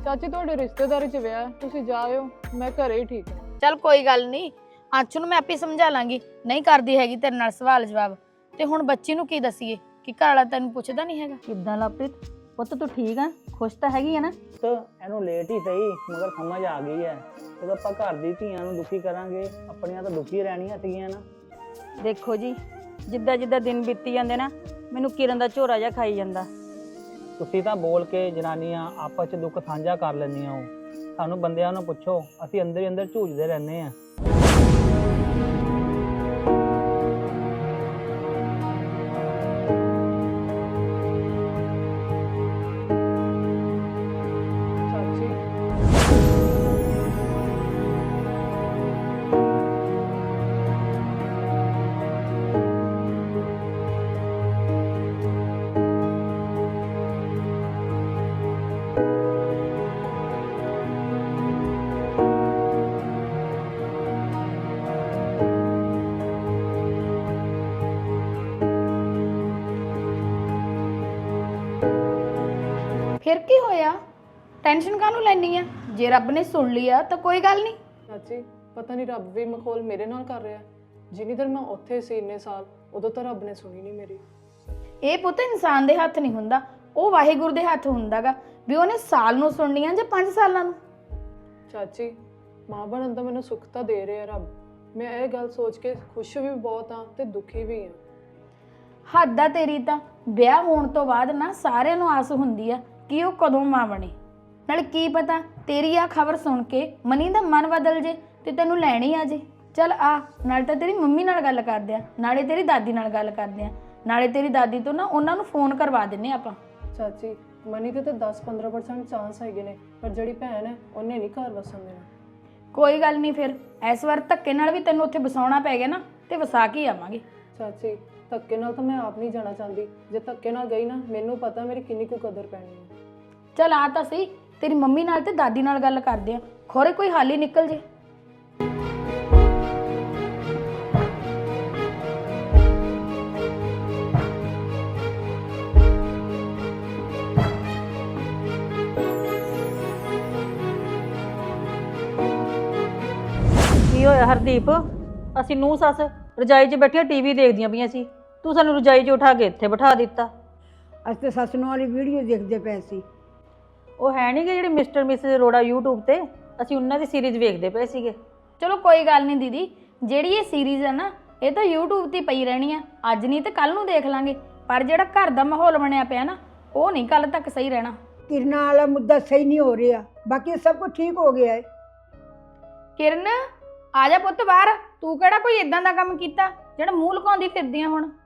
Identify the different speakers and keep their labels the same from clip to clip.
Speaker 1: ਚਾਚੀ ਤੁਹਾਡੇ ਰਿਸ਼ਤੇਦਾਰੀ 'ਚ ਵਿਆਹ, ਤੁਸੀਂ ਜਾਇਓ, ਮੈਂ ਘਰੇ ਹੀ ਠੀਕ ਹਾਂ।
Speaker 2: ਚੱਲ ਕੋਈ ਗੱਲ ਨਹੀਂ, ਆਂਚੂ ਨੂੰ ਮੈਂ ਆਪੇ ਸਮਝਾ ਲਾਂਗੀ, ਨਹੀਂ ਕਰਦੀ ਹੈਗੀ ਤੇਰੇ ਨਾਲ ਸਵਾਲ ਜਵਾਬ। ਤੇ ਹੁਣ ਬੱਚੀ ਨੂੰ ਕੀ ਦਸੀਏ ਕਿ ਘਰ ਵਾਲਾ ਤੈਨੂੰ ਪੁੱਛਦਾ ਨਹੀਂ ਹੈਗਾ?
Speaker 3: ਕਿੱਦਾਂ ਲਵਪ੍ਰੀਤ ਪੁੱਤ ਤੂੰ ਠੀਕ ਆ? ਖੁਸ਼ ਤਾਂ ਹੈਗੀ ਆ ਨਾ?
Speaker 4: ਇਹਨੂੰ ਲੇਟ ਹੀ ਸਹੀ ਮਗਰ ਸਮਝ ਆ ਗਈ ਹੈ। ਜਦੋਂ ਆਪਾਂ ਘਰ ਦੀ ਧੀਆਂ ਨੂੰ ਦੁਖੀ ਕਰਾਂਗੇ, ਆਪਣੀਆਂ ਤਾਂ ਦੁਖੀ ਰਹਿਣੀਆਂ ਸੀਗੀਆਂ ਨਾ।
Speaker 3: ਦੇਖੋ ਜੀ, ਜਿੱਦਾਂ ਜਿੱਦਾਂ ਦਿਨ ਬੀਤੀ ਜਾਂਦੇ ਨਾ, ਮੈਨੂੰ ਕਿਰਨ ਦਾ ਝੋਰਾ ਜਿਹਾ ਖਾਈ ਜਾਂਦਾ।
Speaker 4: ਤੁਸੀਂ ਤਾਂ ਬੋਲ ਕੇ ਜਨਾਨੀਆਂ ਆਪਸ 'ਚ ਦੁੱਖ ਸਾਂਝਾ ਕਰ ਲੈਂਦੀਆਂ ਹੋ। ਸਾਨੂੰ ਬੰਦਿਆਂ ਨੂੰ ਪੁੱਛੋ, ਅਸੀਂ ਅੰਦਰ ਹੀ ਅੰਦਰ ਝੂਝਦੇ ਰਹਿੰਦੇ ਆ।
Speaker 1: ਚਾਚੀ
Speaker 2: ਫਿਰ ਕੀ ਹੋਇਆ? ਟੈਨਸ਼ਨ ਕਾਹਨੂੰ ਲੈਣੀ ਆ? ਜੇ ਰੱਬ ਨੇ ਸੁਣ ਲਿਆ ਤਾਂ ਕੋਈ ਗੱਲ ਨਹੀਂ।
Speaker 1: ਚਾਚੀ ਪਤਾ ਨਹੀਂ ਰੱਬ ਵੀ ਮਖੌਲ ਮੇਰੇ ਨਾਲ ਕਰ ਰਿਹਾ। ਜਿੰਨੀ ਦੇਰ ਮੈਂ ਉੱਥੇ ਸੀ ਇੰਨੇ ਸਾਲ, ਉਦੋਂ ਤਾਂ ਰੱਬ ਨੇ ਸੁਣੀ ਨਹੀਂ ਮੇਰੀ।
Speaker 2: ਇਹ ਪੁੱਤ ਇਨਸਾਨ ਦੇ ਹੱਥ ਨਹੀਂ ਹੁੰਦਾ, ਉਹ ਵਾਹਿਗੁਰੂ ਦੇ ਹੱਥ ਹੁੰਦਾਗਾ ਵੀ ਉਹਨੇ ਸਾਲ ਨੂੰ ਸੁਣਨੀਆਂ ਜਾਂ 5 ਸਾਲਾਂ ਨੂੰ।
Speaker 1: ਚਾਚੀ ਮਾਂ ਬਣਨ ਦਾ ਮੈਨੂੰ ਸੁੱਖ ਤਾਂ ਦੇ ਰਿਹਾ ਰੱਬ। ਮੈਂ ਇਹ ਗੱਲ ਸੋਚ ਕੇ ਖੁਸ਼ ਵੀ ਬਹੁਤ ਹਾਂ ਤੇ ਦੁਖੀ ਵੀ ਹਾਂ।
Speaker 2: ਹੱਦ ਆ ਤੇਰੀ ਤਾਂ। ਵਿਆਹ ਹੋਣ ਤੋਂ ਬਾਅਦ ਨਾ ਸਾਰਿਆਂ ਨੂੰ ਆਸ ਹੁੰਦੀ ਆ ਕਿ ਉਹ ਕਦੋਂ ਮਾਂ ਬਣੇ। ਨਾਲ ਕੀ ਪਤਾ ਤੇਰੀ ਆ ਖਬਰ ਸੁਣ ਕੇ ਮਨੀ ਦਾ ਮਨ ਬਦਲ ਜੇ ਤੇ ਤੈਨੂੰ ਲੈਣੀ ਆ ਜੇ। ਚੱਲ ਆ, ਨਾਲੇ ਤਾਂ ਤੇਰੀ ਮੰਮੀ ਨਾਲ ਗੱਲ ਕਰਦੇ ਆ, ਨਾਲੇ ਤੇਰੀ ਦਾਦੀ ਨਾਲ ਗੱਲ ਕਰਦੇ ਆ, ਨਾਲੇ ਤੇਰੀ ਦਾਦੀ ਤੋਂ ਨਾ ਉਹਨਾਂ ਨੂੰ ਫੋਨ ਕਰਵਾ ਦਿੰਨੇ ਆਪਾਂ।
Speaker 1: ਚਾਚੀ ਮਨੀ ਤੇ ਤਾਂ 10-15% ਚਾਂਸ ਹੈਗੇ ਨੇ, ਪਰ ਜਿਹੜੀ ਭੈਣ ਹੈ ਉਹਨੇ ਨਹੀਂ ਘਰ ਵਸਣ ਦੇਣਾ।
Speaker 2: ਕੋਈ ਗੱਲ ਨਹੀਂ, ਫਿਰ ਇਸ ਵਾਰ ਧੱਕੇ ਨਾਲ ਵੀ ਤੈਨੂੰ ਉੱਥੇ ਵਸਾਉਣਾ ਪੈ ਗਿਆ ਨਾ ਤੇ ਵਸਾ ਕੇ ਆਵਾਂਗੇ।
Speaker 1: ਚਾਚੀ ਧੱਕੇ ਨਾਲ ਤਾਂ ਮੈਂ ਆਪ ਨਹੀਂ ਜਾਣਾ ਚਾਹੁੰਦੀ। ਜੇ ਧੱਕੇ ਨਾਲ ਗਈ ਨਾ, ਮੈਨੂੰ ਪਤਾ ਮੇਰੀ ਕਿੰਨੀ ਕੁ ਕਦਰ ਪੈਣੀ ਹੈ।
Speaker 2: ਚੱਲ ਆ ਤਾਂ ਸਹੀ, ਤੇਰੀ ਮੰਮੀ ਨਾਲ ਤੇ ਦਾਦੀ ਨਾਲ ਗੱਲ ਕਰਦੇ ਆ, ਖੋਰੇ ਕੋਈ ਹੱਲ ਹੀ ਨਿਕਲ ਜੇ।
Speaker 3: ਕੀ ਹੋਇਆ ਹਰਦੀਪ? ਅਸੀਂ ਨੂੰਹ ਸੱਸ ਰਜਾਈ 'ਚ ਬੈਠੀਆਂ ਟੀਵੀ ਦੇਖਦੀਆਂ ਪਈਆਂ ਸੀ, ਤੂੰ ਸਾਨੂੰ ਰਜਾਈ 'ਚ ਉਠਾ ਕੇ ਇੱਥੇ ਬਿਠਾ ਦਿੱਤਾ।
Speaker 5: ਅੱਜ ਤੇ ਸੱਸ ਨੂੰ ਵਾਲੀ ਵੀਡੀਓ ਦੇਖਦੇ ਪਏ ਸੀ।
Speaker 3: ਉਹ ਹੈ ਨਹੀਂ ਗੇ ਜਿਹੜੇ ਮਿਸਟਰ ਮਿਸਿਸ ਅਰੋੜਾ YouTube ਤੇ, ਅਸੀਂ ਉਹਨਾਂ ਦੀ ਸੀਰੀਜ਼ ਵੇਖਦੇ ਪਏ ਸੀਗੇ।
Speaker 2: ਚਲੋ ਕੋਈ ਗੱਲ ਨਹੀਂ ਦੀਦੀ, ਜਿਹੜੀ ਇਹ ਸੀਰੀਜ਼ ਹੈ ਨਾ ਇਹ ਤਾਂ YouTube ਤੇ ਪਈ ਰਹਿਣੀ ਆ, ਅੱਜ ਨਹੀਂ ਤੇ ਕੱਲ ਨੂੰ ਦੇਖ ਲਾਂਗੇ। ਪਰ ਜਿਹੜਾ ਘਰ ਦਾ ਮਾਹੌਲ ਬਣਿਆ ਪਿਆ ਨਾ, ਉਹ ਨਹੀਂ ਕੱਲ ਤੱਕ ਸਹੀ ਰਹਿਣਾ।
Speaker 5: ਕਿਰਨਾਂ ਵਾਲਾ ਮੁੱਦਾ ਸਹੀ ਨਹੀਂ ਹੋ ਰਿਹਾ, ਬਾਕੀ ਸਭ ਕੁਝ ਠੀਕ ਹੋ ਗਿਆ ਹੈ।
Speaker 2: ਕਿਰਨ ਆ ਜਾ ਪੁੱਤ ਬਾਹਰ, ਤੂੰ ਕਿਹੜਾ ਕੋਈ ਇਦਾਂ ਦਾ ਕੰਮ ਕੀਤਾ ਜਿਹੜਾ ਮੂੰਹ ਲੁਕਾਉਂਦੀ ਫਿਰਦੀ ਆ ਹੁਣ?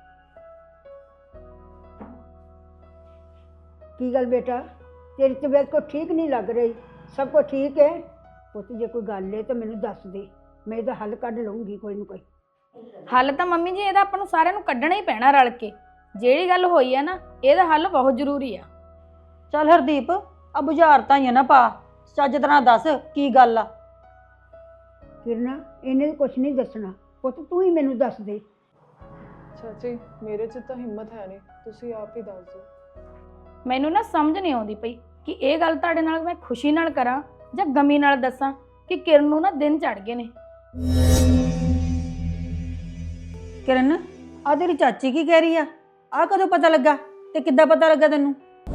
Speaker 5: ਕੀ ਗੱਲ ਬੇਟਾ, ਤੇਰੀ ਤਬੀਅਤ ਕੋ ਠੀਕ ਨਹੀਂ ਲੱਗ ਰਹੀ? ਸਭ ਕੁਝ ਠੀਕ ਹੈ ਪੁੱਤ? ਜੇ ਕੋਈ ਗੱਲ ਹੈ ਤਾਂ ਮੈਨੂੰ ਦੱਸ ਦੇ, ਮੈਂ ਇਹਦਾ ਹੱਲ ਕੱਢ ਲਵਾਂਗੀ ਕੋਈ ਨਾ ਕੋਈ।
Speaker 2: ਹੱਲ ਤਾਂ ਮੰਮੀ ਜੀ ਇਹਦਾ ਆਪਾਂ ਨੂੰ ਸਾਰਿਆਂ ਨੂੰ ਕੱਢਣਾ ਹੀ ਪੈਣਾ ਰਲ ਕੇ। ਜਿਹੜੀ ਗੱਲ ਹੋਈ ਆ ਨਾ, ਇਹਦਾ ਹੱਲ ਬਹੁਤ ਜ਼ਰੂਰੀ ਆ।
Speaker 3: ਚੱਲ ਹਰਦੀਪ, ਆ ਬੁਝਾਰਤਾਂ ਹੀ ਆ ਨਾ ਪਾ, ਚੱਜ ਤਰ੍ਹਾਂ ਦੱਸ ਕੀ ਗੱਲ ਆ।
Speaker 5: ਕਿਰਨਾ ਇਹਨੇ ਕੁਝ ਨਹੀਂ ਦੱਸਣਾ ਪੁੱਤ, ਤੂੰ ਹੀ ਮੈਨੂੰ ਦੱਸ ਦੇ।
Speaker 1: ਚਾਚੀ ਮੇਰੇ 'ਚ ਤਾਂ ਹਿੰਮਤ ਹੈ ਨਹੀਂ, ਤੁਸੀਂ ਆਪ ਹੀ ਦੱਸ ਦਿਓ।
Speaker 2: ਮੈਨੂੰ ਨਾ ਸਮਝ ਨਹੀਂ ਆਉਂਦੀ ਪਈ ਕਿ ਇਹ ਗੱਲ ਤੁਹਾਡੇ ਨਾਲ ਮੈਂ ਖੁਸ਼ੀ ਨਾਲ ਕਰਾਂ ਜਾਂ ਗਮੀ ਨਾਲ ਦੱਸਾਂ ਕਿ ਕਿਰਨ ਨੂੰ ਨਾ ਦਿਨ ਚੜ ਗਏ ਨੇ।
Speaker 3: ਕਿਰਨ, ਆ ਤੇਰੀ ਚਾਚੀ ਕੀ ਕਹਿ ਰਹੀ ਆ? ਆ ਕਦੋਂ ਪਤਾ ਲੱਗਾ ਤੇ ਕਿੱਦਾਂ ਪਤਾ ਲੱਗਾ ਤੈਨੂੰ?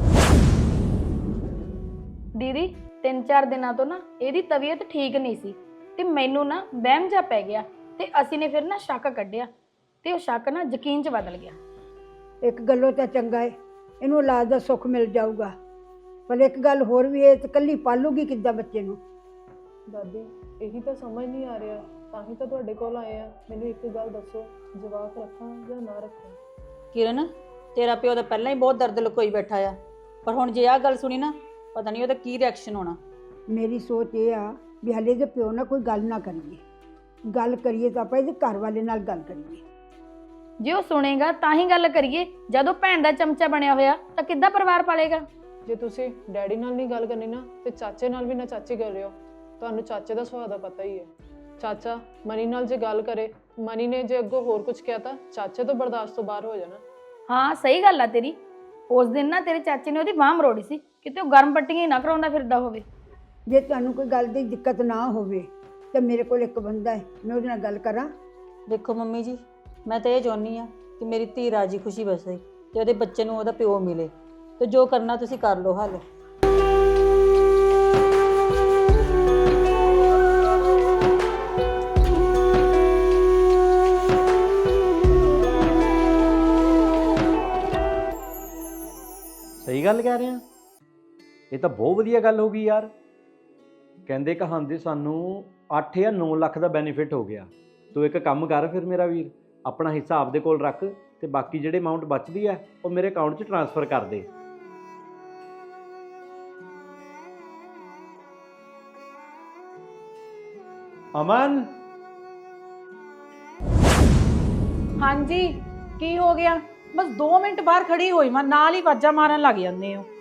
Speaker 2: ਦੀਦੀ 3-4 ਦਿਨਾਂ ਤੋਂ ਨਾ ਇਹਦੀ ਤਬੀਅਤ ਠੀਕ ਨਹੀਂ ਸੀ ਤੇ ਮੈਨੂੰ ਨਾ ਵਹਿਮ ਜਾ ਪੈ ਗਿਆ ਤੇ ਅਸੀਂ ਨੇ ਫਿਰ ਨਾ ਸ਼ੱਕ ਕੱਢਿਆ ਤੇ ਉਹ ਸ਼ੱਕ ਨਾ ਯਕੀਨ 'ਚ ਬਦਲ ਗਿਆ।
Speaker 5: ਇੱਕ ਗੱਲੋਂ ਤਾਂ ਚੰਗਾ ਹੈ, ਇਹਨੂੰ ਔਲਾਦ ਦਾ ਸੁੱਖ ਮਿਲ ਜਾਊਗਾ, ਪਰ ਇੱਕ ਗੱਲ ਹੋਰ ਵੀ ਹੈ, ਤੇ ਕੱਲੀ ਪਾਲੂਗੀ ਕਿੱਦਾਂ ਬੱਚੇ ਨੂੰ?
Speaker 1: ਦਾਦੀ ਇਹੀ ਤਾਂ ਸਮਝ ਨਹੀਂ ਆ ਰਿਹਾ, ਤਾਂ ਹੀ ਤਾਂ ਤੁਹਾਡੇ ਕੋਲ ਆਏ ਆ। ਮੈਨੂੰ ਇੱਕ ਗੱਲ ਦੱਸੋ, ਜਵਾਕ ਰੱਖਾਂ ਜਾਂ ਨਾ ਰੱਖਾਂ?
Speaker 3: ਕਿਰਨ, ਤੇਰਾ ਪਿਓ ਤਾਂ ਪਹਿਲਾਂ ਹੀ ਬਹੁਤ ਦਰਦ ਲੁਕੋਈ ਬੈਠਾ ਆ, ਪਰ ਹੁਣ ਜੇ ਆਹ ਗੱਲ ਸੁਣੀ ਨਾ, ਪਤਾ ਨਹੀਂ ਉਹਦਾ ਕੀ ਰਿਐਕਸ਼ਨ ਹੋਣਾ।
Speaker 5: ਮੇਰੀ ਸੋਚ ਇਹ ਆ ਵੀ ਹਲੇ ਦੇ ਪਿਓ ਨਾਲ ਕੋਈ ਗੱਲ ਨਾ ਕਰੀਏ, ਗੱਲ ਕਰੀਏ ਤਾਂ ਆਪਾਂ ਇਹਦੇ ਘਰ ਵਾਲੇ ਨਾਲ ਗੱਲ ਕਰੀਏ।
Speaker 2: ਜੇ ਉਹ ਸੁਣੇਗਾ ਤਾਂ ਹੀ ਗੱਲ ਕਰੀਏ, ਜਦੋਂ ਭੈਣ ਦਾ ਚਮਚਾ ਬਣਿਆ ਹੋਇਆ ਤਾਂ ਕਿੱਦਾਂ ਪਰਿਵਾਰ ਪਾਲੇਗਾ?
Speaker 1: ਜੇ ਤੁਸੀਂ ਡੈਡੀ ਨਾਲ ਨਹੀਂ ਗੱਲ ਕਰਨੀ ਨਾ, ਤੇ ਚਾਚੇ ਨਾਲ ਵੀ ਨਾ ਚਾਚੀ ਕਰ ਰਹੇ ਹੋ। ਤੁਹਾਨੂੰ ਚਾਚੇ ਦਾ ਸੁਭਾਅ ਦਾ ਪਤਾ ਹੀ ਹੈ। ਚਾਚਾ ਮਨੀ ਨਾਲ ਜੇ ਗੱਲ ਕਰੇ, ਮਨੀ ਨੇ ਜੇ ਅੱਗੋਂ ਹੋਰ ਕੁਝ ਕਿਹਾ ਤਾਂ ਚਾਚੇ ਤੋਂ ਬਰਦਾਸ਼ਤ ਤੋਂ ਬਾਹਰ ਹੋ ਜਾਣਾ।
Speaker 2: ਹਾਂ ਸਹੀ ਗੱਲ ਆ ਤੇਰੀ। ਉਸ ਦਿਨ ਨਾ ਤੇਰੇ ਚਾਚੇ ਨੇ ਉਹਦੀ ਬਾਂਹ ਮਰੋੜੀ ਸੀ ਕਿਤੇ ਉਹ ਗਰਮ ਪੱਟੀਆਂ ਹੀ ਨਾ ਕਰਾਉਂਦਾ ਫਿਰਦਾ ਹੋਵੇ।
Speaker 5: ਜੇ ਤੁਹਾਨੂੰ ਕੋਈ ਗੱਲ ਦੀ ਦਿੱਕਤ ਨਾ ਹੋਵੇ ਤਾਂ ਮੇਰੇ ਕੋਲ ਇੱਕ ਬੰਦਾ ਹੈ, ਮੈਂ ਉਹਦੇ ਨਾਲ ਗੱਲ ਕਰਾਂ।
Speaker 3: ਦੇਖੋ ਮੰਮੀ ਜੀ, ਮੈਂ ਤਾਂ ਇਹ ਚਾਹੁੰਦੀ ਆ ਕਿ ਮੇਰੀ ਧੀ ਰਾਜੀ ਖੁਸ਼ੀ ਬਸੇ ਤੇ ਉਹਦੇ ਬੱਚੇ ਨੂੰ ਉਹਦਾ ਪਿਓ ਮਿਲੇ, ਤੇ ਜੋ ਕਰਨਾ ਤੁਸੀਂ ਕਰ ਲਓ ਹੱਲ।
Speaker 6: ਸਹੀ ਗੱਲ ਕਹਿ ਰਹੇ ਆ। ਇਹ ਤਾਂ ਬਹੁਤ ਵਧੀਆ ਗੱਲ ਹੋ ਗਈ ਯਾਰ। ਕਹਿੰਦੇ ਕਹਾਂਦੇ ਸਾਨੂੰ 8 ਜਾਂ 9 ਲੱਖ ਦਾ ਬੈਨੀਫਿਟ ਹੋ ਗਿਆ। ਤੂੰ ਇੱਕ ਕੰਮ ਕਰ ਫਿਰ ਮੇਰਾ ਵੀਰ, ਆਪਣਾ ਹਿੱਸਾ ਆਪਦੇ ਕੋਲ ਰੱਖ ਤੇ ਬਾਕੀ ਜਿਹੜੇ ਅਮਾਉਂਟ ਬਚਦੀ ਹੈ ਉਹ ਮੇਰੇ ਅਕਾਊਂਟ 'ਚ ਟ੍ਰਾਂਸਫਰ ਕਰ ਦੇ। ਅਮਨ,
Speaker 7: ਹਾਂਜੀ ਕੀ ਹੋ ਗਿਆ? ਬਸ 2 ਮਿੰਟ ਬਾਹਰ ਖੜੀ ਹੋਈ ਮੈਂ, ਨਾਲ ਹੀ ਵਾਜਾਂ ਮਾਰਨ ਲੱਗ ਜਾਂਦੇ ਹੋ।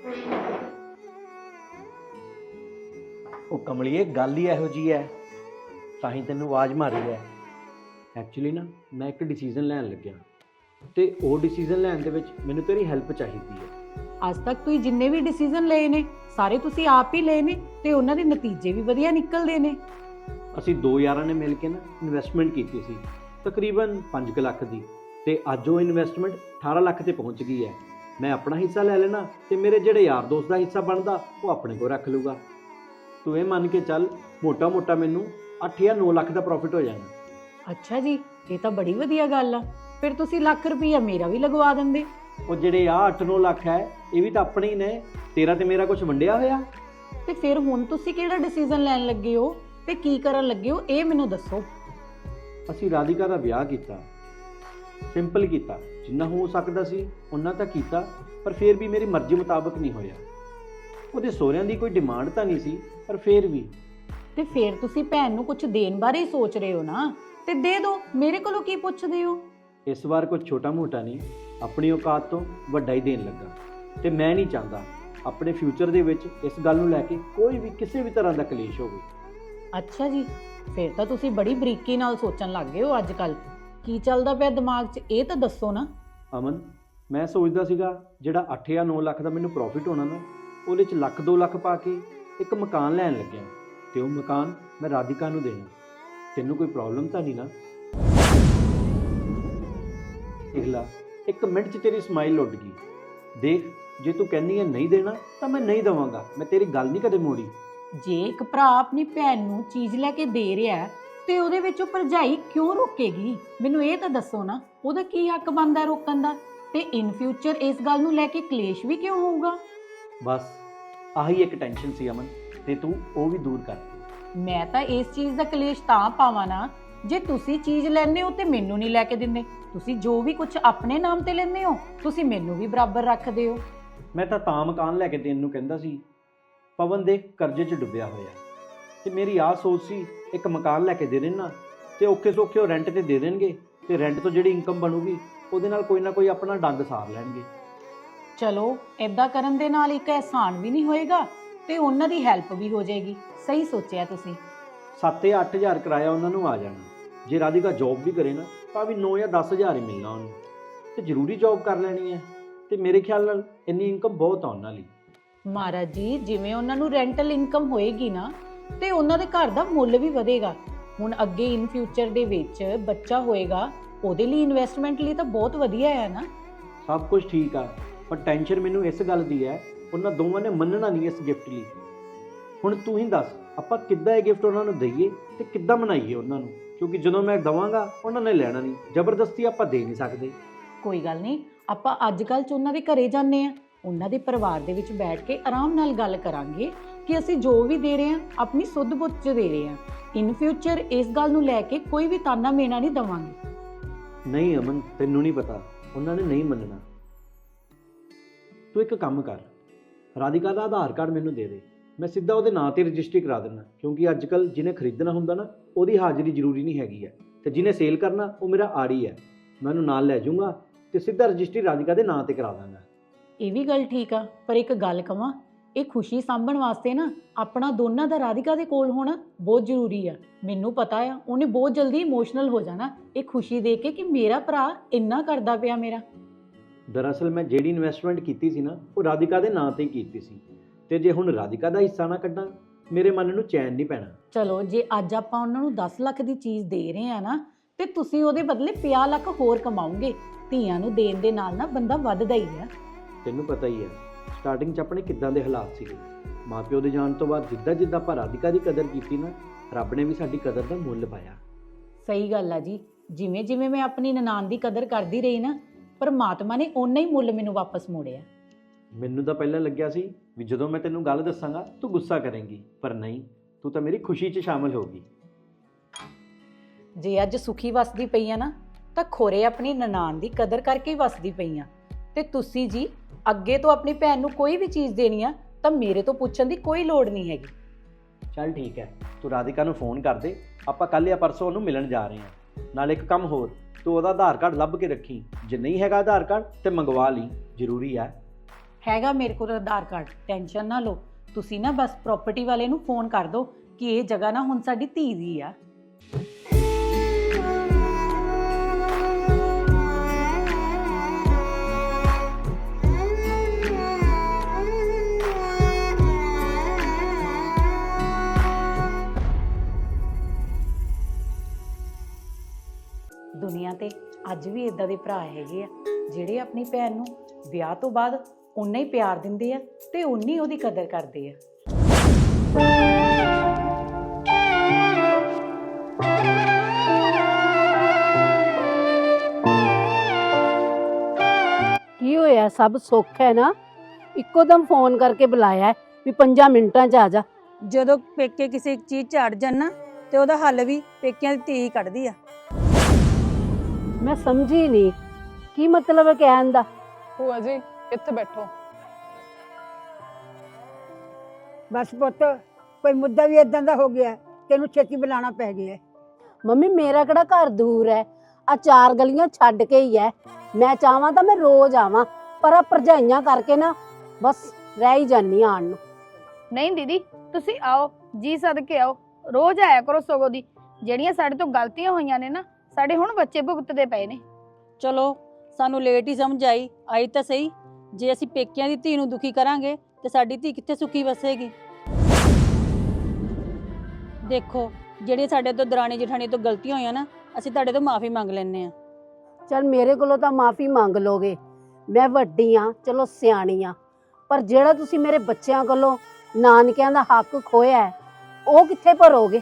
Speaker 6: ਉਹ ਕਮਲੀਏ ਗੱਲ ਹੀ ਇਹੋ ਜੀ ਹੈ, ਤਾਂ ਹੀ ਤੈਨੂੰ ਆਵਾਜ਼ ਮਾਰੀ ਹੈ। ਐਕਚੁਅਲੀ ਨਾ ਮੈਂ ਇੱਕ ਡਿਸੀਜਨ ਲੈਣ ਲੱਗਿਆ ਤੇ ਉਹ ਡਿਸੀਜਨ ਲੈਣ ਦੇ ਵਿੱਚ ਮੈਨੂੰ ਤੇਰੀ ਹੈਲਪ ਚਾਹੀਦੀ ਹੈ।
Speaker 7: ਅੱਜ ਤੱਕ ਤੁਸੀਂ ਜਿੰਨੇ ਵੀ ਡਿਸੀਜਨ ਲਏ ਨੇ ਸਾਰੇ ਤੁਸੀਂ ਆਪ ਹੀ ਲਏ ਨੇ ਤੇ ਉਹਨਾਂ ਦੇ ਨਤੀਜੇ ਵੀ ਵਧੀਆ ਨਿਕਲਦੇ ਨੇ।
Speaker 6: ਅਸੀਂ 2 ਯਾਰਾਂ ਨੇ ਮਿਲ ਕੇ ਨਾ ਇਨਵੈਸਟਮੈਂਟ ਕੀਤੀ ਸੀ ਤਕਰੀਬਨ 5 ਲੱਖ ਦੀ, ਤੇ ਅੱਜ ਉਹ ਇਨਵੈਸਟਮੈਂਟ 18 ਲੱਖ ਤੇ ਪਹੁੰਚ ਗਈ ਹੈ। ਮੈਂ ਆਪਣਾ ਹਿੱਸਾ ਲੈ ਲੈਣਾ ਤੇ ਮੇਰੇ ਜਿਹੜੇ ਯਾਰ ਦੋਸਤ ਦਾ ਹਿੱਸਾ ਬਣਦਾ ਉਹ ਆਪਣੇ ਕੋਲ ਰੱਖ ਲੂਗਾ। ਤੂੰ ਇਹ ਮੰਨ ਕੇ ਚੱਲ ਮੋਟਾ ਮੈਨੂੰ 8 ਜਾਂ 9 ਲੱਖ ਦਾ ਪ੍ਰੋਫਿਟ ਹੋ ਜਾਣਾ।
Speaker 7: ਅੱਛਾ ਜੀ, ਇਹ ਤਾਂ ਬੜੀ ਵਧੀਆ ਗੱਲ ਆ। ਫਿਰ ਤੁਸੀਂ ਲੱਖ ਰੁਪਈਆ ਮੇਰਾ ਵੀ ਲਗਵਾ ਦਿੰਦੇ।
Speaker 6: ਉਹ ਜਿਹੜੇ ਆ 8-9 ਲੱਖ ਹੈ ਇਹ ਵੀ ਤਾਂ ਆਪਣੇ ਹੀ ਨੇ, ਤੇਰਾ ਤੇ ਮੇਰਾ ਕੁਝ ਵੰਡਿਆ ਹੋਇਆ।
Speaker 7: ਤੇ ਫਿਰ ਹੁਣ ਤੁਸੀਂ ਕਿਹੜਾ ਡਿਸੀਜਨ ਲੈਣ ਲੱਗੇ ਹੋ ਤੇ ਕੀ ਕਰਨ ਲੱਗੇ ਹੋ ਇਹ ਮੈਨੂੰ ਦੱਸੋ।
Speaker 6: ਅਸੀਂ ਰਾਧਿਕਾ ਦਾ ਵਿਆਹ ਕੀਤਾ, ਸਿੰਪਲ ਕੀਤਾ, ਜਿੰਨਾ ਹੋ ਸਕਦਾ ਸੀ ਉਹਨਾਂ ਤਾਂ ਕੀਤਾ, ਪਰ ਫਿਰ ਵੀ ਮੇਰੀ ਮਰਜ਼ੀ ਮੁਤਾਬਕ ਨਹੀਂ ਹੋਇਆ। ਉਹਦੇ ਸਹੁਰਿਆਂ ਦੀ ਕੋਈ ਡਿਮਾਂਡ ਤਾਂ ਨਹੀਂ ਸੀ, ਪਰ ਫਿਰ ਵੀ।
Speaker 7: ਤੇ ਫਿਰ ਤੁਸੀਂ ਭੈਣ ਨੂੰ ਕੁਝ ਦੇਣ ਬਾਰੇ ਹੀ ਸੋਚ ਰਹੇ ਹੋ ਨਾ, ਤੇ ਦੇ ਦਿਓ, ਮੇਰੇ ਕੋਲੋਂ ਕੀ ਪੁੱਛਦੇ ਹੋ।
Speaker 6: ਇਸ ਵਾਰ ਕੁਝ ਛੋਟਾ ਮੋਟਾ ਨਹੀਂ, ਆਪਣੀ ਔਕਾਤ ਤੋਂ ਵੱਡਾ ਹੀ ਦੇਣ ਲੱਗਾ, ਤੇ ਮੈਂ ਨਹੀਂ ਚਾਹੁੰਦਾ ਆਪਣੇ ਫਿਊਚਰ ਦੇ ਵਿੱਚ ਇਸ ਗੱਲ ਨੂੰ ਲੈ ਕੇ ਕੋਈ ਵੀ ਕਿਸੇ ਵੀ ਤਰ੍ਹਾਂ ਦਾ ਕਲੇਸ਼ ਹੋਵੇ।
Speaker 7: ਅੱਛਾ ਜੀ, ਫਿਰ ਤਾਂ ਤੁਸੀਂ ਬੜੀ ਬਰੀਕੀ ਨਾਲ ਸੋਚਣ ਲੱਗ ਗਏ ਹੋ ਅੱਜ ਕੱਲ। ਕੀ ਚੱਲਦਾ ਪਿਆ ਦਿਮਾਗ 'ਚ ਇਹ ਤਾਂ ਦੱਸੋ ਨਾ।
Speaker 6: ਅਮਨ, ਮੈਂ ਸੋਚਦਾ ਸੀਗਾ ਜਿਹੜਾ 8 ਜਾਂ 9 ਲੱਖ ਦਾ ਮੈਨੂੰ ਪ੍ਰੋਫਿਟ ਹੋਣਾ ਨਾ, ਉਹਦੇ 'ਚ 1-2 ਲੱਖ ਪਾ ਕੇ ਇੱਕ ਮਕਾਨ ਲੈਣ ਲੱਗਿਆ, ਤੇ ਉਹ ਮਕਾਨ ਮੈਂ ਰਾਧਿਕਾ ਨੂੰ ਦੇਣਾ। ਤੈਨੂੰ ਕੋਈ ਪ੍ਰੋਬਲਮ ਤਾਂ ਨਹੀਂ ਨਾ? ਦੇਖ ਲਾ, 1 ਮਿੰਟ 'ਚ ਤੇਰੀ ਸਮਾਈਲ ਉੱਡ ਗਈ। ਦੇਖ, ਜੇ ਤੂੰ ਕਹਿੰਦੀ ਹੈ ਨਹੀਂ ਦੇਣਾ ਤਾਂ ਮੈਂ ਨਹੀਂ ਦੇਵਾਂਗਾ, ਮੈਂ ਤੇਰੀ ਗੱਲ ਨਹੀਂ ਕਦੇ ਮੋੜੀ।
Speaker 7: ਜੇ ਇੱਕ ਭਰਾ ਆਪਣੀ ਭੈਣ ਨੂੰ ਚੀਜ਼ ਲੈ ਕੇ ਦੇ ਰਿਹਾ ਹੈ, ਤੇ ਉਹਦੇ ਵਿੱਚ ਉਹ ਭਰਜਾਈ ਕਿਉਂ ਰੋਕੇਗੀ? ਮੈਨੂੰ ਇਹ ਤਾਂ ਦੱਸੋ ਨਾ, ਉਹਦਾ ਕੀ ਹੱਕ ਬਣਦਾ ਰੋਕਣ ਦਾ? ਤੇ ਇਨ ਫਿਊਚਰ ਇਸ ਗੱਲ ਨੂੰ ਲੈ ਕੇ ਕਲੇਸ਼ ਵੀ ਕਿਉਂ ਹੋਊਗਾ?
Speaker 6: ਬਸ ਆਹੀ ਇੱਕ ਟੈਨਸ਼ਨ ਸੀ ਅਮਨ, ਤੇ ਤੂੰ ਉਹ ਵੀ ਦੂਰ ਕਰ।
Speaker 7: ਮੈਂ ਤਾਂ ਇਸ ਚੀਜ਼ ਦਾ ਕਲੇਸ਼ ਤਾਂ ਪਾਵਾਂ ਨਾ, ਜੇ ਤੁਸੀਂ ਚੀਜ਼ ਲੈਂਦੇ ਹੋ ਤੇ ਮੈਨੂੰ ਨਹੀਂ ਲੈ ਕੇ ਦਿੰਦੇ। ਤੁਸੀਂ ਜੋ ਵੀ ਕੁਝ ਆਪਣੇ ਨਾਮ ਤੇ ਲੈਂਦੇ ਹੋ ਤੁਸੀਂ ਮੈਨੂੰ ਵੀ ਬਰਾਬਰ ਰੱਖਦੇ ਹੋ।
Speaker 6: ਮੈਂ ਤਾਂ ਮਕਾਨ ਲੈ ਕੇ ਦੇਣ ਨੂੰ ਕਹਿੰਦਾ ਸੀ, ਪਵਨ ਦੇ ਕਰਜ਼ੇ 'ਚ ਡੁੱਬਿਆ ਹੋਇਆ, ਤੇ ਮੇਰੀ ਆਹ ਸੋਚ ਸੀ ਇੱਕ ਮਕਾਨ ਲੈ ਕੇ ਦੇ ਦੇਣਾ, ਤੇ ਔਖੇ ਸੌਖੇ ਉਹ ਰੈਂਟ ਤੇ ਦੇ ਦੇਣਗੇ, ਤੇ ਰੈਂਟ ਤੋਂ ਜਿਹੜੀ ਇਨਕਮ ਬਣੂਗੀ ਉਹਦੇ ਨਾਲ ਕੋਈ ਨਾ ਕੋਈ ਆਪਣਾ ਡੰਗ ਸਾਰ ਲੈਣਗੇ।
Speaker 7: ਚਲੋ, ਇਦਾਂ ਕਰਨ ਦੇ ਨਾਲ ਇੱਕ ਅਹਿਸਾਨ ਵੀ ਨਹੀਂ ਹੋਏਗਾ ਤੇ ਉਹਨਾਂ ਦੀ ਹੈਲਪ ਵੀ ਹੋ ਜਾਏਗੀ। ਸਹੀ ਸੋਚਿਆ ਤੁਸੀਂ।
Speaker 6: 7 ਜਾਂ 8 ਹਜ਼ਾਰ ਕਿਰਾਇਆ ਉਹਨਾਂ ਨੂੰ ਆ ਜਾਣਾ। ਜੇ ਰਾਧਿਕਾ ਜੌਬ ਵੀ ਕਰੇ ਨਾ ਤਾਂ ਵੀ 9 ਜਾਂ 10 ਹਜ਼ਾਰ ਹੀ ਮਿਲਣਾ ਉਹਨੂੰ, ਤੇ ਜ਼ਰੂਰੀ ਜੌਬ ਕਰ ਲੈਣੀ ਹੈ, ਤੇ ਮੇਰੇ ਖਿਆਲ ਨਾਲ ਇੰਨੀ ਇਨਕਮ ਬਹੁਤ ਆ ਉਹਨਾਂ ਲਈ।
Speaker 7: ਮਹਾਰਾਜ ਜੀ, ਜਿਵੇਂ ਉਹਨਾਂ ਨੂੰ ਰੈਂਟਲ ਇਨਕਮ ਹੋਏਗੀ ਨਾ ਤੇ ਉਹਨਾਂ ਦੇ ਘਰ ਦਾ ਮੁੱਲ ਵੀ ਵਧੇਗਾ। ਹੁਣ ਅੱਗੇ ਇਨ ਫਿਊਚਰ ਦੇ ਵਿੱਚ ਬੱਚਾ ਹੋਏਗਾ, ਉਹਦੇ ਲਈ ਇਨਵੈਸਟਮੈਂਟ ਲਈ ਤਾਂ ਬਹੁਤ ਵਧੀਆ ਹੈ ਨਾ।
Speaker 6: ਸਭ ਕੁਝ ਠੀਕ ਆ, ਪਰ ਟੈਨਸ਼ਨ ਮੈਨੂੰ ਇਸ ਗੱਲ ਦੀ ਹੈ, ਉਹਨਾਂ ਦੋਵਾਂ ਨੇ ਮੰਨਣਾ ਨਹੀਂ ਇਸ ਗਿਫਟ ਲਈ। ਹੁਣ ਤੂੰ ਹੀ ਦੱਸ, ਆਪਾਂ ਕਿੱਦਾਂ ਇਹ ਗਿਫਟ ਉਹਨਾਂ ਨੂੰ ਦਈਏ ਤੇ ਕਿੱਦਾਂ ਮਨਾਈਏ ਉਹਨਾਂ ਨੂੰ? ਕਿਉਂਕਿ ਜਦੋਂ ਮੈਂ ਦਵਾਂਗਾ ਉਹਨਾਂ ਨੇ ਲੈਣਾ ਨਹੀਂ, ਜ਼ਬਰਦਸਤੀ ਆਪਾਂ ਦੇ ਨਹੀਂ ਸਕਦੇ।
Speaker 7: ਕੋਈ ਗੱਲ ਨਹੀਂ, ਆਪਾਂ ਅੱਜ ਕੱਲ੍ਹ 'ਚ ਉਹਨਾਂ ਦੇ ਘਰੇ ਜਾਂਦੇ ਆ, ਉਹਨਾਂ ਦੇ ਪਰਿਵਾਰ ਦੇ ਵਿੱਚ ਬੈਠ ਕੇ ਆਰਾਮ ਨਾਲ ਗੱਲ ਕਰਾਂਗੇ ਕਿ ਅਸੀਂ ਜੋ ਵੀ ਦੇ ਰਹੇ ਹਾਂ ਆਪਣੀ ਸੁੱਧ ਬੁੱਧ 'ਚ ਦੇ ਰਹੇ ਹਾਂ। ਇਨ ਫਿਊਚਰ ਇਸ ਗੱਲ ਨੂੰ ਲੈ ਕੇ ਕੋਈ ਵੀ ਤਾਨਾ ਮੇਣਾ ਨਹੀਂ ਦੇਵਾਂਗੇ।
Speaker 6: ਨਹੀਂ ਅਮਨ, ਤੈਨੂੰ ਨਹੀਂ ਪਤਾ, ਉਹਨਾਂ ਨੇ ਨਹੀਂ ਮੰਨਣਾ। ਤੂੰ ਇੱਕ ਕੰਮ ਕਰ, ਰਾਧਿਕਾ ਦਾ ਆਧਾਰ ਕਾਰਡ ਮੈਨੂੰ ਦੇ ਦੇ, ਮੈਂ ਸਿੱਧਾ ਉਹਦੇ ਨਾਂ ਤੇ ਰਜਿਸਟਰੀ ਕਰਾ ਦਿੰਦਾ। ਕਿਉਂਕਿ ਅੱਜ ਕੱਲ੍ਹ ਜਿਹਨੇ ਖਰੀਦਣਾ ਹੁੰਦਾ ਨਾ ਉਹਦੀ ਹਾਜ਼ਰੀ ਜ਼ਰੂਰੀ ਨਹੀਂ ਹੈਗੀ ਹੈ, ਤੇ ਜਿਹਨੇ ਸੇਲ ਕਰਨਾ ਉਹ ਮੇਰਾ ਆੜੀ ਹੈ। ਮੈਂ ਉਹਨੂੰ ਨਾਲ ਲੈ ਜਾਊਂਗਾ ਤੇ ਸਿੱਧਾ ਰਜਿਸਟਰੀ ਰਾਧਿਕਾ ਦੇ ਨਾਂ ਤੇ ਕਰਾ ਦਾਂਗਾ।
Speaker 7: ਇਹ ਵੀ ਗੱਲ ਠੀਕ ਆ, ਪਰ ਇੱਕ ਗੱਲ ਕਵਾਂ, ਇਹ ਖੁਸ਼ੀ ਸਾਂਭਣ ਵਾਸਤੇ ਨਾ ਆਪਣਾ ਦੋਨਾਂ ਦਾ ਰਾਧਿਕਾ ਦੇ ਕੋਲ ਹੋਣਾ ਬਹੁਤ ਜ਼ਰੂਰੀ ਆ। ਮੈਨੂੰ ਪਤਾ ਆ ਉਹਨੇ ਬਹੁਤ ਜਲਦੀ ਇਮੋਸ਼ਨਲ ਹੋ ਜਾਣਾ ਇਹ ਖੁਸ਼ੀ ਦੇਖ ਕੇ ਕਿ ਮੇਰਾ ਭਰਾ ਇੰਨਾ ਕਰਦਾ ਪਿਆ ਮੇਰਾ।
Speaker 6: ਦਰਅਸਲ ਮੈਂ ਜਿਹੜੀ ਇਨਵੈਸਟਮੈਂਟ ਕੀਤੀ ਸੀ ਨਾ ਉਹ ਰਾਧਿਕਾ ਦੇ ਨਾਂ ਤੇ ਹੀ ਕੀਤੀ ਸੀ, ਤੇ ਜੇ ਹੁਣ ਰਾਧਿਕਾ ਦਾ ਹਿੱਸਾ ਨਾ ਕੱਢਾਂ ਮੇਰੇ ਮਨ ਨੂੰ ਚੈਨ ਨਹੀਂ ਪੈਣਾ।
Speaker 7: ਚਲੋ ਜੇ ਅੱਜ ਆਪਾਂ ਉਹਨਾਂ ਨੂੰ 10 ਲੱਖ ਦੀ ਚੀਜ਼ ਦੇ ਰਹੇ ਆ ਨਾ, ਤੇ ਤੁਸੀਂ ਉਹਦੇ ਬਦਲੇ 50 ਲੱਖ ਹੋਰ ਕਮਾਓਗੇ। ਧੀਆਂ ਨੂੰ ਦੇਣ ਦੇ ਨਾਲ ਨਾ ਬੰਦਾ ਵੱਧਦਾ ਹੀ ਆ।
Speaker 6: ਤੈਨੂੰ ਪਤਾ ਹੀ ਹੈ ਸਟਾਰਟਿੰਗ 'ਚ ਆਪਣੇ ਕਿੱਦਾਂ ਦੇ ਹਾਲਾਤ ਸੀਗੇ। ਮਾਪਿਓ ਦੇ ਜਾਣ ਤੋਂ ਬਾਅਦ ਜਿੱਦਾਂ ਜਿੱਦਾਂ ਆਪਾਂ ਰਾਧਿਕਾ ਦੀ ਕਦਰ ਕੀਤੀ ਨਾ, ਰੱਬ ਨੇ ਵੀ ਸਾਡੀ ਕਦਰ ਦਾ ਮੁੱਲ ਪਾਇਆ।
Speaker 7: ਸਹੀ ਗੱਲ ਆ ਜੀ, ਜਿਵੇਂ ਜਿਵੇਂ ਮੈਂ ਆਪਣੀ ਨਨਾਣ ਦੀ ਕਦਰ ਕਰਦੀ ਰਹੀ ਨਾ, ਪਰਮਾਤਮਾ ਨੇ ਓਨਾ ਹੀ ਮੁੱਲ ਮੈਨੂੰ ਵਾਪਸ ਮੋੜਿਆ।
Speaker 6: ਮੈਨੂੰ ਤਾਂ ਪਹਿਲਾਂ ਲੱਗਿਆ ਸੀ ਵੀ ਜਦੋਂ ਮੈਂ ਤੈਨੂੰ ਗੱਲ ਦੱਸਾਂਗਾ ਤੂੰ ਗੁੱਸਾ ਕਰੇਂਗੀ, ਪਰ ਨਹੀਂ, ਤੂੰ ਤਾਂ ਮੇਰੀ ਖੁਸ਼ੀ 'ਚ ਸ਼ਾਮਲ ਹੋ ਗਈ।
Speaker 7: ਜੇ ਅੱਜ ਸੁਖੀ ਵਸਦੀ ਪਈ ਆ ਨਾ, ਤਾਂ ਖੋਰੇ ਆਪਣੀ ਨਨਾਣ ਦੀ ਕਦਰ ਕਰਕੇ ਹੀ ਵਸਦੀ ਪਈ ਆ। ਤੇ ਤੁਸੀਂ ਜੀ ਅੱਗੇ ਤੋਂ ਆਪਣੀ ਭੈਣ ਨੂੰ ਕੋਈ ਵੀ ਚੀਜ਼ ਦੇਣੀ ਆ ਤਾਂ ਮੇਰੇ ਤੋਂ ਪੁੱਛਣ ਦੀ ਕੋਈ ਲੋੜ ਨਹੀਂ ਹੈਗੀ।
Speaker 6: ਚੱਲ ਠੀਕ ਹੈ, ਤੂੰ ਰਾਧਿਕਾ ਨੂੰ ਫੋਨ ਕਰ ਦੇ, ਆਪਾਂ ਕੱਲ੍ਹ ਜਾਂ ਪਰਸੋਂ ਉਹਨੂੰ ਮਿਲਣ ਜਾ ਰਹੇ ਹਾਂ। ਨਾਲ ਇੱਕ ਕੰਮ ਹੋਰ, ਤੂੰ ਉਹਦਾ ਆਧਾਰ ਕਾਰਡ ਲੱਭ ਕੇ ਰੱਖੀ, ਜੇ ਨਹੀਂ ਹੈਗਾ ਆਧਾਰ ਕਾਰਡ ਤੇ ਮੰਗਵਾ ਲਈ, ਜ਼ਰੂਰੀ ਹੈ।
Speaker 7: ਹੈਗਾ ਮੇਰੇ ਕੋਲ ਆਧਾਰ ਕਾਰਡ, ਟੈਨਸ਼ਨ ਨਾ ਲਓ। ਤੁਸੀਂ ਨਾ ਬਸ ਪ੍ਰਾਪਰਟੀ ਵਾਲੇ ਨੂੰ ਫੋਨ ਕਰ ਦਿਓ ਕਿ ਇਹ ਜਗ੍ਹਾ ਨਾ ਹੁਣ ਸਾਡੀ ਧੀ ਦੀ ਆ। ਦੁਨੀਆ ਤੇ ਅੱਜ ਵੀ ਇਦਾਂ ਦੇ ਭਰਾ ਹੈਗੇ ਆ ਜਿਹੜੇ ਆਪਣੀ ਭੈਣ ਨੂੰ ਵਿਆਹ ਤੋਂ ਬਾਅਦ ਉਨਾ ਹੀ ਪਿਆਰ ਦਿੰਦੇ ਆ ਤੇ ਉਨੀ ਉਹਦੀ ਕਦਰ ਕਰਦੇ ਆ।
Speaker 8: ਕੀ ਹੋਇਆ? ਸਭ ਸੁੱਖ ਹੈ ਨਾ? ਇੱਕੋ ਦਮ ਫੋਨ ਕਰਕੇ ਬੁਲਾਇਆ ਹੈ ਵੀ 5 ਮਿੰਟਾਂ 'ਚ ਆ ਜਾ।
Speaker 3: ਜਦੋਂ ਪੇਕੇ ਕਿਸੇ ਚੀਜ਼ ਝਾੜ ਜਾਣ ਨਾ ਤੇ ਉਹਦਾ ਹੱਲ ਵੀ ਪੇਕਿਆਂ ਦੀ ਧੀ ਕੱਢਦੀ ਆ।
Speaker 8: ਮੈਂ ਸਮਝੀ ਨਹੀਂ ਕੀ ਮਤਲਬ ਹੈ ਕਹਿਣ ਦਾ।
Speaker 1: ਭੂਆ ਜੀ ਇੱਥੇ ਬੈਠੋ।
Speaker 5: ਬਸ ਪੁੱਤ, ਕੋਈ ਮੁੱਦਾ ਵੀ ਇਦਾਂ ਦਾ ਹੋ ਗਿਆ ਤੈਨੂੰ ਛੇਤੀ ਬੁਲਾਉਣਾ ਪੈ ਗਿਆ।
Speaker 8: ਮੰਮੀ ਮੇਰਾ ਕਿਹੜਾ ਘਰ ਦੂਰ ਹੈ, ਆ 4 ਗਲੀਆਂ ਛੱਡ ਕੇ ਹੀ ਹੈ। ਮੈਂ ਚਾਹਾਂ ਤਾਂ ਮੈਂ ਰੋਜ਼ ਆਵਾਂ, ਪਰ ਆ ਭਰਜਾਈਆਂ ਕਰਕੇ ਨਾ ਬਸ ਰਹਿ ਹੀ ਜਾਨੀ ਆਣ ਨੂੰ।
Speaker 2: ਨਹੀਂ ਦੀਦੀ, ਤੁਸੀਂ ਆਓ, ਜੀ ਸਦਕੇ ਆਓ, ਰੋਜ਼ ਆਇਆ ਕਰੋ। ਸਗੋਂ ਦੀ ਜਿਹੜੀਆਂ ਸਾਡੇ ਤੋਂ ਗਲਤੀਆਂ ਹੋਈਆਂ ਨੇ ਨਾ, ਸਾਡੇ ਹੁਣ ਬੱਚੇ ਭੁਗਤਦੇ ਪਏ ਨੇ।
Speaker 3: ਚਲੋ ਸਾਨੂੰ ਲੇਟ ਹੀ ਸਮਝ ਆਈ ਤਾਂ ਸਹੀ। ਜੇ ਅਸੀਂ ਪੇਕਿਆਂ ਦੀ ਧੀ ਨੂੰ ਦੁਖੀ ਕਰਾਂਗੇ ਤੇ ਸਾਡੀ ਧੀ ਕਿੱਥੇ ਸੁਖੀ ਵਸੇਗੀ। ਦੇਖੋ ਜਿਹੜੀਆਂ ਸਾਡੇ ਤੋਂ ਦਰਾਣੀ ਜਠਾਣੀ ਤੋਂ ਗਲਤੀਆਂ ਹੋਈਆਂ ਨਾ, ਅਸੀਂ ਤੁਹਾਡੇ ਤੋਂ ਮਾਫੀ ਮੰਗ ਲੈਂਦੇ ਆ।
Speaker 8: ਚਲ ਮੇਰੇ ਕੋਲੋਂ ਤਾਂ ਮਾਫੀ ਮੰਗ ਲੋਗੇ, ਮੈਂ ਵੱਡੀ ਆ, ਚਲੋ ਸਿਆਣੀ ਆ, ਪਰ ਜਿਹੜਾ ਤੁਸੀਂ ਮੇਰੇ ਬੱਚਿਆਂ ਕੋਲੋਂ ਨਾਨਕਿਆਂ ਦਾ ਹੱਕ ਖੋਇਆ ਹੈ, ਉਹ ਕਿੱਥੇ ਭਰੋਗੇ?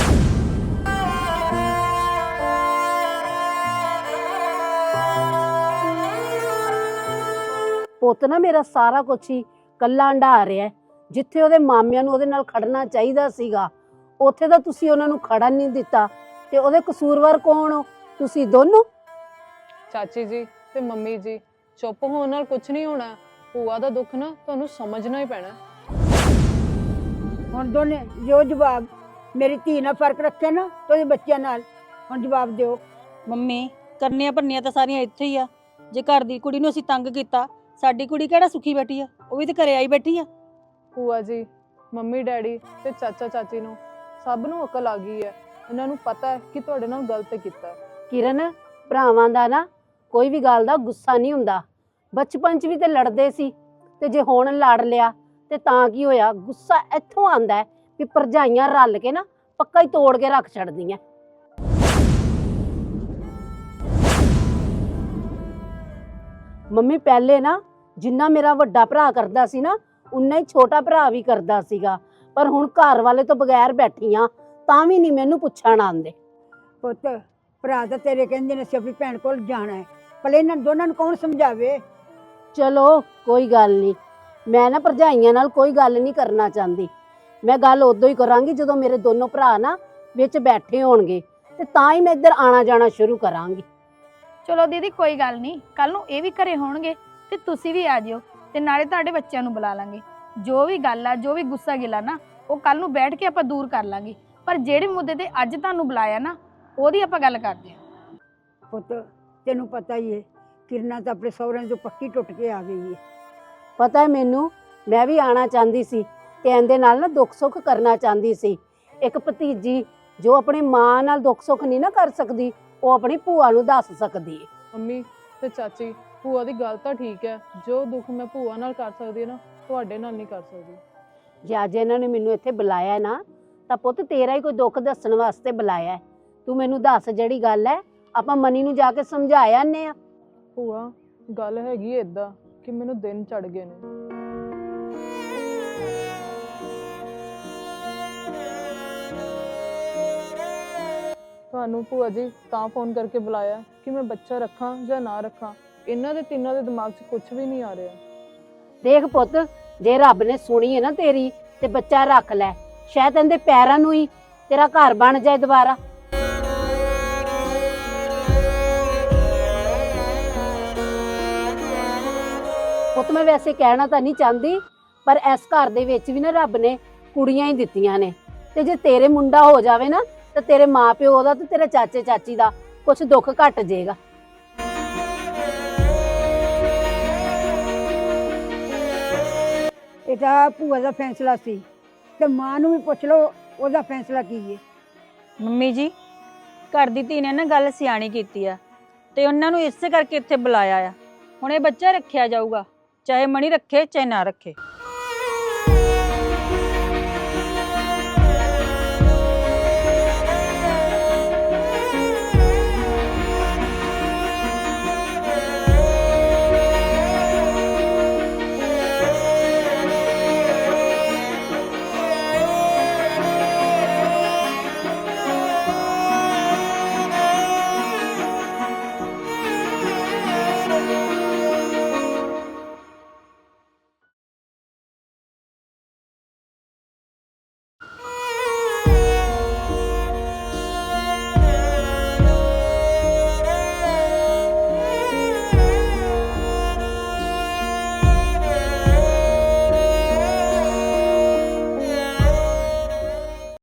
Speaker 8: ਪੁੱਤ ਨਾ ਮੇਰਾ ਸਾਰਾ ਕੁਛ ਹੀ ਕੱਲਾ ਹੰਢਾ ਰਿਹਾ। ਜਿੱਥੇ ਉਹਦੇ ਮਾਮਿਆਂ ਨੂੰ ਉਹਦੇ ਨਾਲ ਖੜਨਾ ਚਾਹੀਦਾ ਸੀਗਾ, ਉੱਥੇ ਤਾਂ ਤੁਸੀਂ ਉਹਨਾਂ ਨੂੰ ਖੜਨ ਨਹੀਂ ਦਿੱਤਾ। ਤੇ ਉਹਦੇ ਕਸੂਰਵਾਰ ਕੌਣ ਹੋ? ਤੁਸੀਂ ਦੋਨੋਂ।
Speaker 1: ਚਾਚੀ ਜੀ ਤੇ ਮੰਮੀ ਜੀ, ਚੁੱਪ ਹੋਣ ਨਾਲ ਕੁਝ ਨਹੀਂ ਹੋਣਾ। ਭੂਆ ਦਾ ਦੁੱਖ ਨਾ ਤੁਹਾਨੂੰ ਸਮਝਣਾ ਹੀ ਪੈਣਾ।
Speaker 5: ਹੁਣ ਦੋਨੇ ਜੋ ਜਵਾਬ ਮੇਰੀ ਧੀ ਨਾਲ ਫਰਕ ਰੱਖੇ ਨਾ ਤੇ ਉਹਦੇ ਬੱਚਿਆਂ ਨਾਲ, ਹੁਣ ਜਵਾਬ ਦਿਓ।
Speaker 3: ਮੰਮੀ ਕਰਨੀਆਂ ਭੰਨੀਆਂ ਤਾਂ ਸਾਰੀਆਂ ਇੱਥੇ ਹੀ ਆ। ਜੇ ਘਰ ਦੀ ਕੁੜੀ ਨੂੰ ਅਸੀਂ ਤੰਗ ਕੀਤਾ, ਸਾਡੀ ਕੁੜੀ ਕਿਹੜਾ ਸੁਖੀ ਬੈਠੀ ਆ? ਉਹ ਵੀ ਤੇ ਘਰੇ ਆਈ ਬੈਠੀ ਆ।
Speaker 1: ਭੂਆ ਜੀ, ਮੰਮੀ ਡੈਡੀ ਤੇ ਚਾਚਾ ਚਾਚੀ ਨੂੰ ਸਭ ਨੂੰ ਅਕਲ ਆ ਗਈ ਹੈ। ਇਹਨਾਂ ਨੂੰ ਪਤਾ ਹੈ ਕਿ ਤੁਹਾਡੇ ਨਾਲ ਗਲਤ ਕੀਤਾ।
Speaker 8: ਕਿਰਨ, ਭਰਾਵਾਂ ਦਾ ਨਾ ਕੋਈ ਵੀ ਗੱਲ ਦਾ ਗੁੱਸਾ ਨਹੀਂ ਹੁੰਦਾ। ਬਚਪਨ 'ਚ ਵੀ ਤੇ ਲੜਦੇ ਸੀ, ਤੇ ਜੇ ਹੁਣ ਲੜ ਲਿਆ ਤੇ ਤਾਂ ਕੀ ਹੋਇਆ? ਗੁੱਸਾ ਇੱਥੋਂ ਆਂਦਾ ਹੈ ਵੀ ਭਰਜਾਈਆਂ ਰਲ ਕੇ ਨਾ ਪੱਕਾ ਹੀ ਤੋੜ ਕੇ ਰੱਖ ਛੱਡਦੀਆਂ। ਮੰਮੀ ਪਹਿਲੇ ਨਾ ਜਿੰਨਾ ਮੇਰਾ ਵੱਡਾ ਭਰਾ ਕਰਦਾ ਸੀ ਨਾ, ਉਨਾ ਹੀ ਛੋਟਾ ਭਰਾ ਵੀ ਕਰਦਾ ਸੀਗਾ, ਪਰ ਹੁਣ ਘਰ ਵਾਲੇ ਤੋਂ ਬਗੈਰ ਬੈਠੀਆਂ ਤਾਂ ਵੀ ਨਹੀਂ ਮੈਨੂੰ ਪੁੱਛਣ ਆਉਂਦੇ।
Speaker 5: ਪੁੱਤ, ਭਰਾ ਤਾਂ ਤੇਰੇ ਕਹਿੰਦੇ ਨੇ ਅਸੀਂ ਆਪਣੀ ਭੈਣ ਕੋਲ ਜਾਣਾ ਹੈ, ਪਰ ਇਹਨਾਂ ਦੋਨਾਂ ਨੂੰ ਕੌਣ ਸਮਝਾਵੇ?
Speaker 8: ਚਲੋ ਕੋਈ ਗੱਲ ਨਹੀਂ, ਮੈਂ ਨਾ ਭਰਜਾਈਆਂ ਨਾਲ ਕੋਈ ਗੱਲ ਨਹੀਂ ਕਰਨਾ ਚਾਹੁੰਦੀ। ਮੈਂ ਗੱਲ ਉਦੋਂ ਹੀ ਕਰਾਂਗੀ ਜਦੋਂ ਮੇਰੇ ਦੋਨੋਂ ਭਰਾ ਨਾ ਵਿੱਚ ਬੈਠੇ ਹੋਣਗੇ, ਤੇ ਤਾਂ ਹੀ ਮੈਂ ਇੱਧਰ ਆਣਾ ਜਾਣਾ ਸ਼ੁਰੂ ਕਰਾਂਗੀ।
Speaker 2: ਚਲੋ ਦੀਦੀ ਕੋਈ ਗੱਲ ਨਹੀਂ, ਕੱਲ ਨੂੰ ਇਹ ਵੀ ਘਰੇ ਹੋਣਗੇ ਤੇ ਤੁਸੀਂ ਵੀ ਆ ਜਿਓ, ਤੇ ਨਾਲੇ ਤੁਹਾਡੇ ਬੱਚਿਆਂ ਨੂੰ ਬੁਲਾ ਲਾਂਗੇ। ਜੋ ਵੀ ਗੱਲ ਆ, ਜੋ ਵੀ ਗੁੱਸਾ ਗਿਲਾ ਨਾ, ਉਹ ਕੱਲ ਨੂੰ ਬੈਠ ਕੇ ਆਪਾਂ ਦੂਰ ਕਰ ਲਾਂਗੇ। ਪਰ ਜਿਹੜੇ ਮੁੱਦੇ ਤੇ ਅੱਜ ਤੁਹਾਨੂੰ ਬੁਲਾਇਆ ਨਾ, ਉਹਦੀ ਆਪਾਂ ਗੱਲ ਕਰਦੇ ਹਾਂ।
Speaker 5: ਪੁੱਤ, ਤੈਨੂੰ ਪਤਾ ਹੀ ਹੈ ਕਿਰਨਾ ਤਾਂ ਆਪਣੇ ਸਹੁਰਿਆਂ ਤੋਂ ਪੱਕੀ ਟੁੱਟ ਕੇ ਆ ਗਈ ਹੈ।
Speaker 8: ਪਤਾ ਹੈ ਮੈਨੂੰ, ਮੈਂ ਵੀ ਆਣਾ ਚਾਹੁੰਦੀ ਸੀ ਤੇ ਇਹਦੇ ਨਾਲ ਨਾ ਦੁੱਖ ਸੁੱਖ ਕਰਨਾ ਚਾਹੁੰਦੀ ਸੀ। ਇੱਕ ਭਤੀਜੀ ਜੋ ਆਪਣੀ ਮਾਂ ਨਾਲ ਦੁੱਖ ਸੁੱਖ ਨਹੀਂ ਨਾ ਕਰ ਸਕਦੀ, ਉਹ ਆਪਣੀ ਭੂਆ ਨੂੰ ਦੱਸ ਸਕਦੀ ਹੈ।
Speaker 1: ਮੰਮੀ ਤੇ ਚਾਚੀ, ਭੂਆ ਦੀ ਗੱਲ ਤਾਂ ਠੀਕ ਹੈ, ਜੋ ਦੁੱਖ ਮੈਂ ਭੂਆ ਨਾਲ ਕਰ ਸਕਦੀ ਹਾਂ ਨਾ, ਤੁਹਾਡੇ ਨਾਲ ਨਹੀਂ ਕਰ ਸਕਦੀ।
Speaker 8: ਜੇ ਅੱਜ ਇਹਨਾਂ ਨੇ ਮੈਨੂੰ ਇੱਥੇ ਬੁਲਾਇਆ ਹੈ ਨਾ, ਤਾਂ ਪੁੱਤ ਤੇਰਾ ਹੀ ਕੋਈ ਦੁੱਖ ਦੱਸਣ ਵਾਸਤੇ ਬੁਲਾਇਆ ਹੈ। ਤੂੰ ਮੈਨੂੰ ਦੱਸ ਜਿਹੜੀ ਗੱਲ ਹੈ, ਆਪਾਂ ਮਨੀ ਨੂੰ ਜਾ ਕੇ ਸਮਝਾਇਆ ਆਨੇ ਆ।
Speaker 1: ਭੂਆ ਗੱਲ ਹੈਗੀ ਏਦਾਂ ਕਿ ਮੈਨੂੰ ਦਿਨ ਚੜ ਗਏ ਨੇ। ਤੁਹਾਨੂੰ ਭੂਆ ਜੀ ਤਾਂ ਫੋਨ ਕਰਕੇ ਬੁਲਾਇਆ ਕਿ ਮੈਂ ਬੱਚਾ ਰੱਖਾਂ ਜਾਂ ਨਾ ਰੱਖਾਂ। ਇਹਨਾਂ ਦੇ ਤਿੰਨਾਂ ਦੇ ਦਿਮਾਗ 'ਚ ਕੁਝ ਵੀ ਨਹੀਂ ਆ ਰਿਹਾ।
Speaker 8: ਦੇਖ ਪੁੱਤ, ਜੇ ਰੱਬ ਨੇ ਸੁਣੀ ਹੈ ਨਾ ਤੇਰੀ, ਤੇ ਬੱਚਾ ਰੱਖ ਲੈ। ਸ਼ਾਇਦ ਇਹਦੇ ਪੈਰਾਂ ਨੂੰ ਹੀ ਤੇਰਾ ਘਰ ਬਣ ਜਾਏ ਦੁਬਾਰਾ। ਪੁੱਤ ਮੈਂ ਵੈਸੇ ਕਹਿਣਾ ਤਾਂ ਨਹੀਂ ਚਾਹੁੰਦੀ, ਪਰ ਇਸ ਘਰ ਦੇ ਵਿੱਚ ਵੀ ਨਾ ਰੱਬ ਨੇ ਕੁੜੀਆਂ ਹੀ ਦਿੱਤੀਆਂ ਨੇ, ਤੇ ਜੇ ਤੇਰੇ ਮੁੰਡਾ ਹੋ ਜਾਵੇ ਨਾ, ਤੇ ਤੇਰੇ ਮਾਪਿਓ ਦਾ ਤੇ ਤੇਰੇ ਚਾਚੇ ਚਾਚੀ ਦਾ ਕੁਝ ਦੁੱਖ ਘਟ ਜਾਏਗਾ।
Speaker 5: ਇਹ ਤਾਂ ਭੂਆ ਦਾ ਫੈਸਲਾ ਸੀ, ਤੇ ਮਾਂ ਨੂੰ ਵੀ ਪੁੱਛ ਲਓ ਉਹਦਾ ਫੈਸਲਾ ਕੀ ਹੈ।
Speaker 3: ਮੰਮੀ ਜੀ, ਘਰ ਦੀ ਧੀ ਨੇ ਨਾ ਗੱਲ ਸਿਆਣੀ ਕੀਤੀ ਆ, ਤੇ ਉਹਨਾਂ ਨੂੰ ਇਸੇ ਕਰਕੇ ਇੱਥੇ ਬੁਲਾਇਆ ਆ। ਹੁਣ ਇਹ ਬੱਚਾ ਰੱਖਿਆ ਜਾਊਗਾ, ਚਾਹੇ ਮਣੀ ਰੱਖੇ ਚਾਹੇ ਨਾ ਰੱਖੇ।